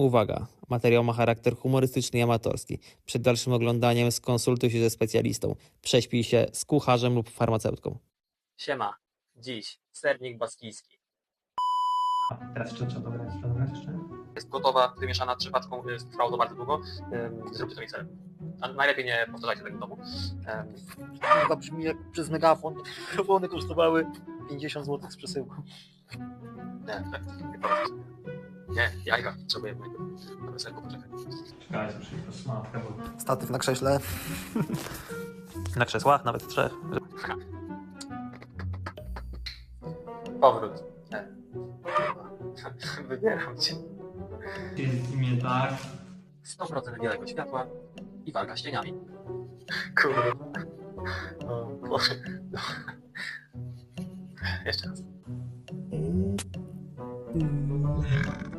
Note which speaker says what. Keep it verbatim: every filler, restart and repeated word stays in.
Speaker 1: Uwaga, materiał ma charakter humorystyczny i amatorski. Przed dalszym oglądaniem skonsultuj się ze specjalistą. Prześpij się z kucharzem lub farmaceutką.
Speaker 2: Siema, dziś sernik baskijski.
Speaker 3: A teraz jeszcze trzeba dograć, trzeba dograć jeszcze?
Speaker 2: Jest gotowa, wymieszana trzypatką, y, trwało to bardzo długo. Ym, Zróbcie to mikserem. A najlepiej nie powtarzajcie tego w domu. Ym, Chyba brzmi jak przez megafon, bo one kosztowały pięćdziesiąt złotych z przesyłką. Nie, tak, nie powiedz. Nie, jajka, potrzebujemy. Dobra, serku, poczekaj.
Speaker 3: Czekajcie, muszę iść po smatkę, bo...
Speaker 2: Statyw na krześle. Na krzesłach, nawet trzech. Powrót. Nie. Wybieram cię.
Speaker 3: Jest w imię tak.
Speaker 2: sto procent białego światła i walka z cieniami. Kurde. O Boże. Jeszcze raz.